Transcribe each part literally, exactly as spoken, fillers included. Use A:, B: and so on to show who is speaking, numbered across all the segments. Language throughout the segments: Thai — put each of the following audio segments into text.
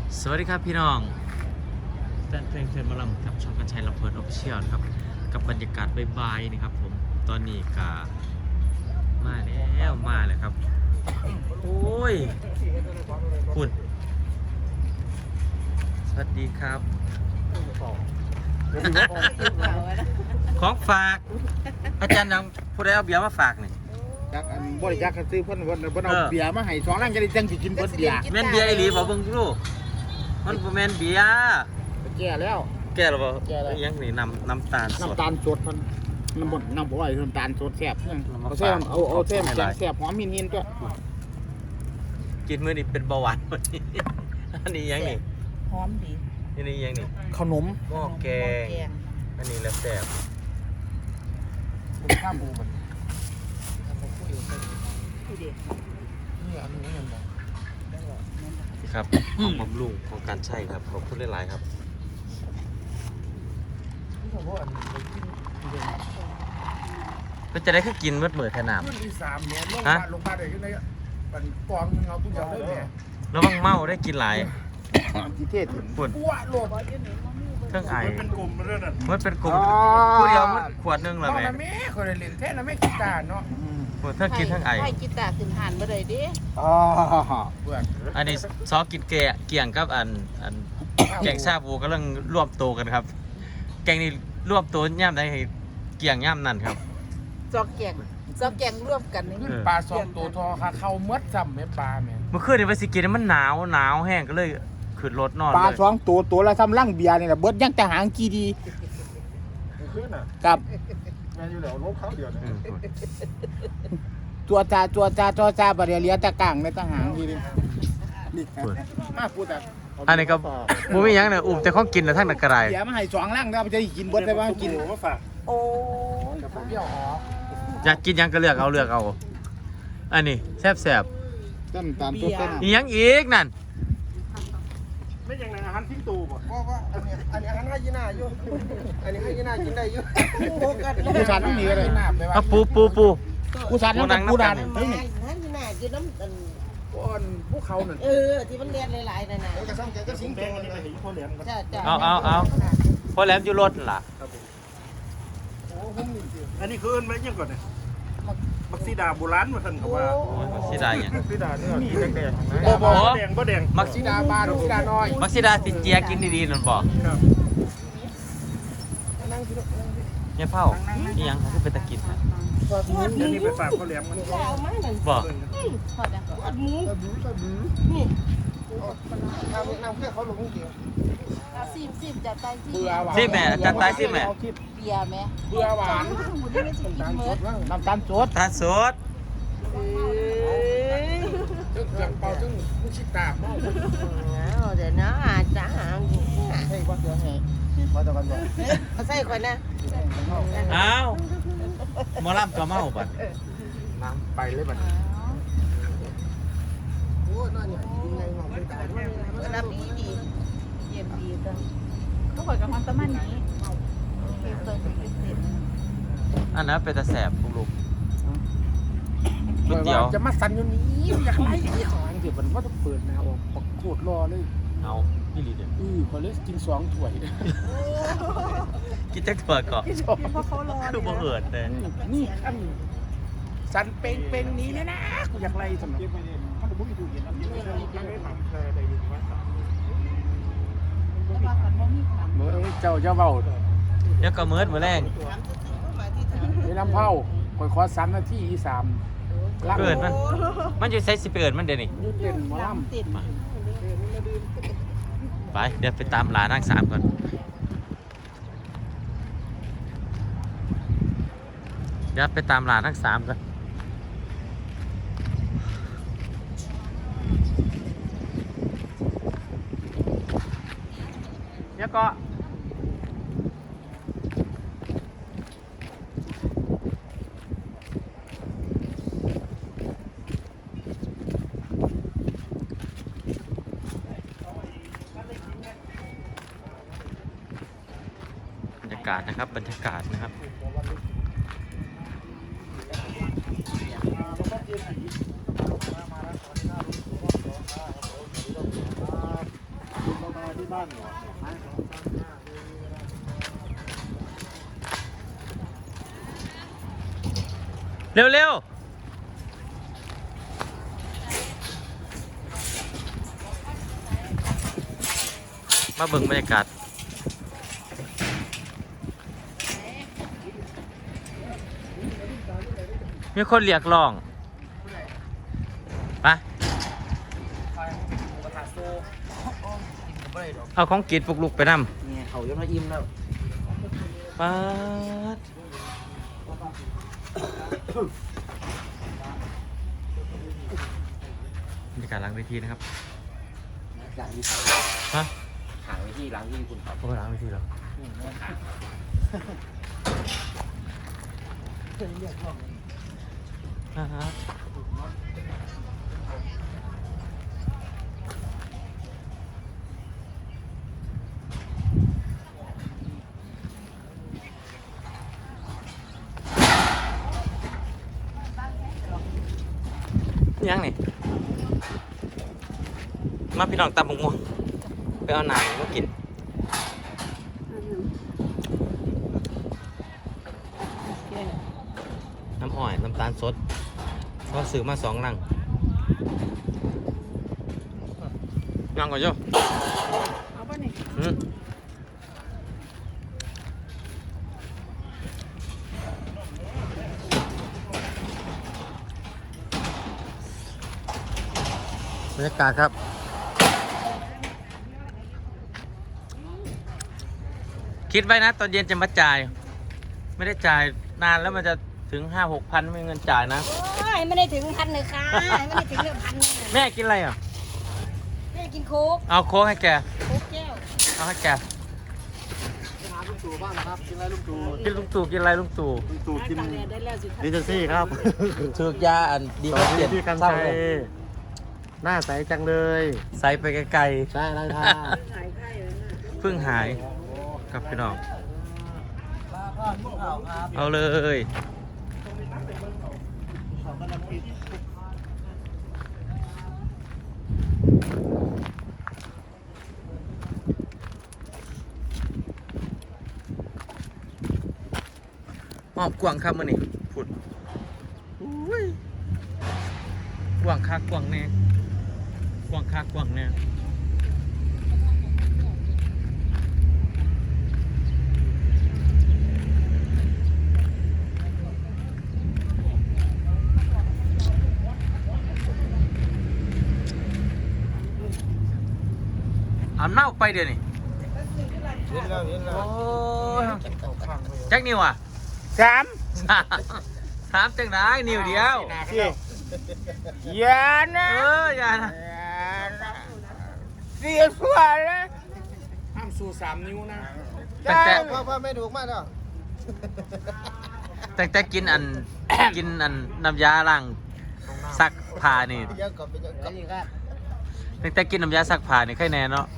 A: สวัสดีครับพี่น้องแฟนเพลงเพลินมาลำกับช่องกันชัยลำเพลินออฟฟิเชียลครับกับบรรยากาศบายๆนี่ครับผมตอนนี้กามาแล้วมาเลยครับโอ้ยคุณสวัสดีครับของฝากอาจารย์ยังผู้ใดเอาเบียร์มาฝากนี่
B: จากอันบริจาคกันซื้อเพิ่นเพิ่นเพิ่นเอาเบียร์มาให้สองลังจะได้จังสิกินเพิ่นเบียร์
A: แม่นเบียร์ไอหลีบอกเบิ่งดูมันบ่แม่นเบียร์
B: แก่แล้ว
A: แก่หรือเปล่ายังนี่น้ำน้ำตาลสด
B: น้ำตาลสดเพิ่นน้ำบ่น้ำบ่อยน้ำตาลสดแซ่บเอาแซ่บเอาเอาแซ่บแซ่บแซ่บหอมหินๆตัว
A: กินมื้อนี้เป็นเบาหวานวันนี้อันนี้ยังนี่
C: หอมดี
A: อันนี้ยังนี่
B: ขนม
A: หม้อแกงอันนี้แล้วแซ่บ
B: ข้ามบูมัน
A: ครับของบำรุงของการใช้ครับขอบคุณหลายๆครับก็จะได้ขึ้นกินเมื่อเมื่อขนาดฮะ
B: ลงมาได้ขึ้นได้เป็นกองเอาผู้เดียวเลยเนี่ย
A: ระวังเมาได้กินหลาย
B: จีเทศถึง
A: ปวดเครื่องไอ
B: เป็นกลุ่มเรื่องนั้น
A: มันเป็นกลุ่มผู้เดียวมันขวดนึงเหรอแม่
B: แม่คนเล่นแท้แล้วไม่กินตาเนาะ
A: ปวดทั้งกินทั้งไอ
C: ให้กีตาร์ขึ้นหันมาเลยดิ
B: อ๋อ
A: อันนี้ซอกินเกะเกี่ยงกับอันอันแกงชาบูกำลังรวบโตกันครับแกงนี่รวบโตย่ำได้เกี่ยงย่ำนั่นครับ
C: ซอกแกงซอกแกงรวมกันนี่
B: ปลาสองตัวทอค่ะเข้าเมื่อซ้ำแม่ปลาแม่
A: เมื่อคืนนี่ไปสิกินมันหนาวหนาวแห้งก็เลยขึ้นรถนอน
B: ปลาสองตัวตัวละซ้ำลังเบียร์นี่แหละเบิดยังแต่หางกีดีกับ
D: แม่อยู่แล้วลบเขาเดียวเนี่ย
B: ตัวจ่าตัวจ่าตัวจ่าบริเลียตะกางในตะหางทีนี้นี่มาพูดแต่
A: อันนี้ก็มูมี่ยังเนี่ยอุ้มแต่ของกินแล้วทั้งนักกระไร
B: เดี๋ยวมาให้สองล่างแล้วจะกินเบิดได้บ้างกิน
D: มาฝาก
C: โอ้
B: ยเปรี้ยวอ๋อ
A: อยากกินยังก็เลือกเอาเลือกเอาอันนี้แซ่บแซ่บ
B: ต้นตามตัวต้น
A: ยังอีกนั่น
D: ไม่ยังไงอาหารทิ้งตูบ่
B: เพราะว่าอันนี้อันนี้อาหารให้ยีน่าอยู่อันนี้ให้ยีน่ากินได้อยู่
C: ผู้
B: ชายต้องมีอะไร
A: เอาปูปูปู
B: ผู้ชายต้องผู้ดัน
C: ให้ยีน่ากินน้ำอัน
B: ก้อนพวกเขาหนึ่ง
C: เออที่มันเรียนหลายๆนั่นน่ะ
B: กระซังแกก็สิง
D: แดงอันนี้ไปเห็นพ่อแหลม
C: จ้าจ้า
A: เอาเอาเอาพ่อแหลมอยู่รถล่ะ
D: อันนี้คือไม่ยังก่อนเนี่ยมักซีดาโบราณมาทันกับว่า
A: มักซีดาอย่าง
D: มักซีดาเนี่ยนี่แดง
A: ๆบ่บ่
D: แดงบ่แดง
A: มัก
B: ซีดาบานมักซีดาน้อย
A: มักซีดาสิเจียกินดีๆนั่นบ่
D: ครับ
A: เนี่ยเผานี่ยังคือเป็นตะกินฮะ
D: อันนี้ไปฝากพ่อแหลมมัน
A: บ่
C: พอจ้ะหมูนี่
B: น้ำน้ำแค่เขาลงเดียว
C: ซิมซิมจัดไปซิม
B: เบื่อหวาน
A: ซิมแม่จัดไปซิมแม่
C: เบียร์แม่
B: เบื่อหวานน้ำตาลสด
A: น้ำตาลสด
B: จึ๊กจังเป่าจึ๊งผู้ชิตาเมา
C: เดี๋ยวนะอาจารย์
B: ให้ว่าเดี๋ยวให้มาตะกันบ่
C: เขาใส่ก่อนนะ
A: อ้าวหมอลำก็เมาบัด
B: น้ำไปเลยบัดโอ้ยนั่นเนี่ยยังไงหอมไม่ตาย
C: มันน้ำดีดีเย็นดีจังเขาบอกกับมันตะมันนี้
A: อันนั้นเป็นตะแสบพวกลูกก๋วยเตี๋ยว
B: จะมาสั่นอยู่นี้อยากไล่ที่หางเดี๋ยวมันว่าจะเปิดแนวออกปักโคตรรอเลย
A: เอาพี่ลีเดียว
B: อือพอเล็กกินสองถ้วย
A: กินจักถั่วก่อนคือบ่เอิดเลย
B: นี่ขั้นสั่นเป่งเป่งนี้เนี่ยนะกูอยากไล่สำหรับมันบุ้งอยู่เย็นมันไม่ทำแค่ใดอยู่ว่าเมื่อเจ้าเจ้าเบา
A: เดี๋ยวก็เมิดมื้อแรง
B: ไอ้ลำเผาคอยขอสามนาทีอีสาม
A: เกิดมันมันอยู่ใช้สิเปิดมันเดี๋ยวนี้
B: ยูเต้นหมอลำ
A: ไปเดี๋ยวไปตามหลานนั่งสามก่อนเดี๋ยวไปตามหลานนั่งสามก่อนเดี๋ยวก็บรรยากาศนะครับบรรยากาศนะครับ
D: ที่บ้านเหรอ
A: เร็วๆมาเบิ่งบรรยากาศมีคนเรียกร้องไปเอาของกินปลุกลุกไปนำ
B: เนี่ยเขายังมาอิ่มแล้ว
A: ป๊าดบรรยากาศหลังเวทีนะครับ
B: หลังที่
A: ฮะ
B: หางที่หลังที่คุณครับ
A: โอ้หลังเวทีเหรออ่าฮะยังนี่มาพี่น้องตำบักม่วงไปเอาหนังมากินน้ำอ้อยน้ำตาลสดก็ซื้อมาสองลังยังก่อนโย่
C: เอาป่ะนี่
A: อืมบรรยากาศครับคิดไว้นะตอนเย็นจะมาจ่ายไม่ได้จ่ายนานแล้วมันจะถึงห้าหกพันไม่มีเงินจ่ายนะ
C: โอ้ยไม่ได้ถึงพันเลยค่ะไม่ได้ถึงเรื่องพันเลย
A: แม่กินอะไรอ่ะ
C: แม่กินโค้ก
A: เอาโค้กให้แก
C: โค้กแก้ว
A: เอาให้แก
D: หาลุงตู่บ้างนะครับกินอะไรลุงตู่
A: กินลุงตู่กินอะไรลุงตู่
D: ลุงตู่กิน
C: ตากแดดได้แล้วสิ
D: ดิจิซี่ครับ
A: ถือกยาอันดี
D: ส
A: มา
D: วัส
A: เป
D: ดี
A: ลี่ยน
D: พี่กัน
A: เศร้า
D: ชัย
A: เลย
D: หน้าใสจังเลย
A: ใส่ไปไกล
D: ใช่ไรท่า
C: หายไข้แล้วนะ
A: ๆเพิ่งหายครับพี่น้อง
B: ครับ
A: เอาเลยหอบกวางครับมื่อนี้ฝุ่นอุ้ยกวางคักกวางแน่กวางคักกวางแน่อาบน้ำออกไปเดี๋ยวนี้
D: เห็นแล้วเห็นแล้ว
A: โอ้ยแจ็คนิวอ่ะ
B: สาม
A: สามสามจังได้นิวเดียว
B: สี่ยานะ
A: เอออย่านะ
B: เสียสวเลยห้ามสู้สามนิ้วนะ
A: แต่แต่
D: พ่อพ่อไม่ถูกมากแล้ว
A: แต่แต่กินอัน กินอันน้ำยาล้างซักผ้านี่
D: ยังก่อนเป็นยังก่อน
A: แต่แต่กินน้ำยาซักผ้านี่ใครแน่เนาะ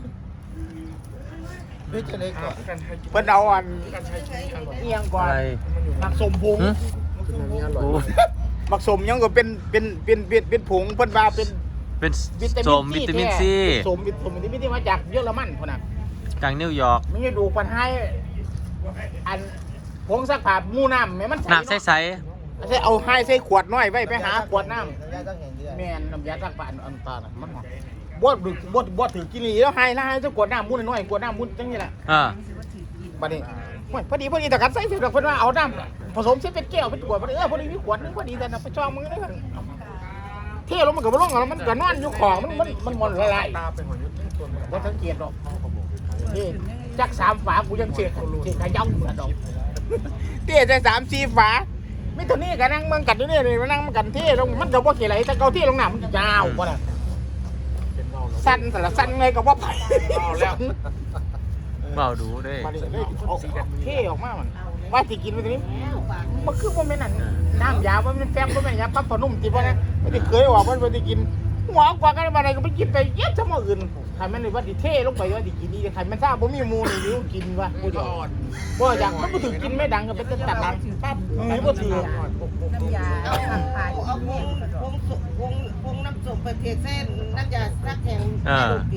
D: นี่จะเลยก่อน
B: เพิ่นเอาอันเอียงก่อน
A: อะไร
B: มักสมพง
A: หึ
D: อร่อย
A: โอ้
B: มักสมยังก็เป็นเป็นเป็นเป็นเป็นผงเพิ่นว่าเป็น
A: เป็น
B: วิตา
A: ส
B: มิน
A: มวิตามิน
B: แท้
A: ซี
B: สมวิตามินซีที่มาจากเยอรมันพุ่นน่ะ
A: จากนิวยอร์ก
B: มันจะดูปันให้อันผงซักผ้าหมู่น้ำแม่มัน
A: น้ำใส
B: ใส่เอาให้ใส่ขวดน้อยไว้ไปหาขวดน้
D: ยาต้องเห็นเดือ
B: ำ
D: น
B: แม่นน้ำยาซักผ้าอันอันตาน่ะมันหอมบ่ดึกบ่บ่ถือกินนี่แล้วให้แล้วให้สักขวดน้ำมุ่นน้อยๆขวดน้ำมุ่นจังนี่แหละ
A: ๆเออ
B: บัดนี้โอ้ยพอดีพอดีแต่กันใส่เสร็จแล้วเพิ่นว่าเอาน้ำผสมเสร็จเป็นแก้วเป็นขวดพอดีเออพอดีมีขวดนึงพอดีแต่น่ะไปจองมึงได้กันเทลงมันก็บ่ลงแล้วมันก็นอนอยู่ของมันมันมันมันละลาย
D: ตาเป็นหัวยุทธ์ทั้งตัว
B: บ่สังเกตดอกนี่จักสามฝากูยังเสียเสียขย่ำเหมือนดอกเตี้ยจักสามสี่ฝาไม่เท่านี้ก็นั่งเมืองกันอยู่นี่นี่มานั่งมันกันเท่ลงมันก็บ่เกี่ยวอะไรแต่เกาเท่ลงน้ำมันยาวกว่าน่ะ
D: เป็นเงาแล้ว
B: สั้นแต่ละสั้นเลยก็บ่ไปแล้ว
A: เบาดูเด้วย
B: มาดิเลยเอาเท่ออกมามันว่าสิกินไปตรงนี้มันคือบ่แม่นนั่นน้ำยาบ่แม่นแป้งบ่แม่นยาปั๊บพนุ่มติบ่นะไม่ได้เคยออกมันบ่ได้กินหัวกว่ากันมาได้ก็ไปกินไปเย็ดซะมื้ออื่นใครมันนี่ว่าสิเท่ลงไปว่าสิกินนี่ใครมันทราบบ่มีหมู่นี่อยู่กินว่ากูจะอ่อนบ่อยากมันบ่ถึงกินไม่ดังก็เป็นตัดตัดปั๊บเออบ่ถือ
C: น้ำยาซักผ้า
E: เอาพงพงพงพงน้ำส้มไปเทเส้นน้ำยาซักแข็ง
A: เออ
E: เปลี่ยน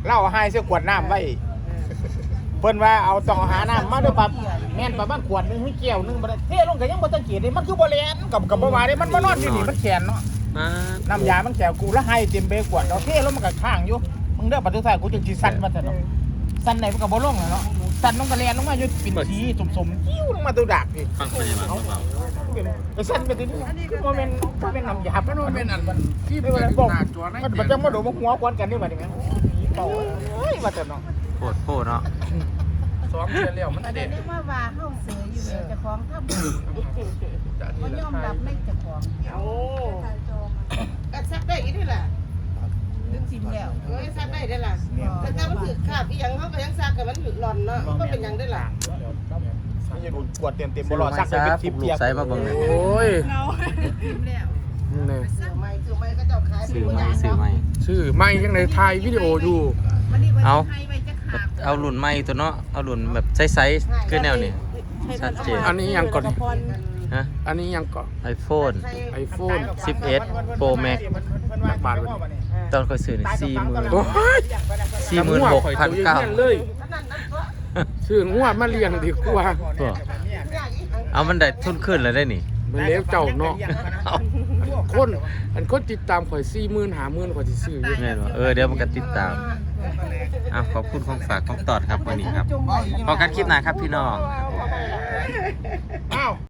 B: เล่าให้เสื้อขวดน้ำไว้เพิ่นว่าเอาต้องหาน้ำมาด้วยปั๊บแม่นประมาณขวดนึงมีแก้วนึงบ่ได้เทลงก็ยังบ่สังเกตเลยมันคือบ่แล่นกับกับบ่ว่าเด้มันมานอนอยู่นี่มันแขนเนาะ
A: มา
B: น้ำยามันแขวกูแล้วให้เต็มเบขวดเอาเทแล้วมันก็ข้างอยู่มึงเด้อปัจจุบันกูจึงสิสั่นมาแต่เนาะสั่นไหนมันก็บ่ลงเนาะสั่นลงก็แล่นลงมาอยู่เป็นสีสมๆจิ้วลงมาตัวดักนี่
A: ฟังพยาบาลเบา
B: ก็สั่นไปทีนี้คือบ่แม่นบ่แม่นน้ำยามันบ่แม่นอันมันที่
D: เป็
B: เป็น
D: น
B: บอก
D: หน้าจอนะ
B: มันบ่จังมาโดนมาหัวควันกันนี่บัดนี้แม่เป่าเอ้ยว่าแต่เนาะ
A: ๆโคตรโคตรเนาะ
D: สองเดือนแล้วมัน
C: อัน
D: เด็ด
C: นี้ว่าว่าเฮาเสืออยู่เลยเจ้าของทำบ่ยอมรับในเจ้าของ
E: โอ้ก็ซักได้อีกนี่แหละ
C: ดึงสิมแล้ว
E: เอ้ยซักได้ได้ล่ะแต่ถ้ามันถือขาบอีหยังเขาก็ยังซักกับมันถือหล่อนเนาะมันก็เป็นหยังได้ล่ะ
B: มันจะโดนขวดเต็มๆบ่รอซักไปเป็นสิบ
A: ลู
B: เปีย
A: ก
B: ก
A: ไซส์มาเบิ่งเลย
D: โอ้ย
C: เงาสิมแล้ว
D: นี่
E: เสือไม้เสือไม้ก็เจ้าขาย
A: ซื้อใหม่ซื้อใหม่
D: ชื่อไม่ยังในถ่ายวิดีโออยู่
C: วันนี้วัน
A: เอา
C: ให้ไว้จะขาด
A: เอารุ่นใหม่ตัวเนาะเอารุ่นแบบไซส์ๆคือแนวนี้ชัดเจน
D: อันนี้ยังก่อน
A: ฮะ
D: อันนี้ยังก่อน
A: iPhone
D: ไอโฟน
A: สิบเอ็ด Pro Max
D: นักบาทวันนี้
A: ตอนเคยซื้อนี่สี่หมื่น
D: โอ้ย
A: สี่หมื่นหกพันเก้า
D: เลย
E: นั่นนั่นก็
D: ชื่องัวมาเลี้ยงดีกว่า
A: ตัว
E: ยากอีก
A: เอามันได้ทุนขึ้นแล้วได้นี่
D: มันเลี้ยงเจ้าเนาะ
A: เอา
D: คนอันคนติดตามข่อยสี่หมื่นหาหมื่นข่อยสิซื้ออยู่
A: แม่นบ่เออเดี๋ยวมันก็ติดตามอ่ะขอบคุณของฝากของตอดครับวันนี้ครับพอกันคลิปหน้าครับพี่น้อง
B: อ้าว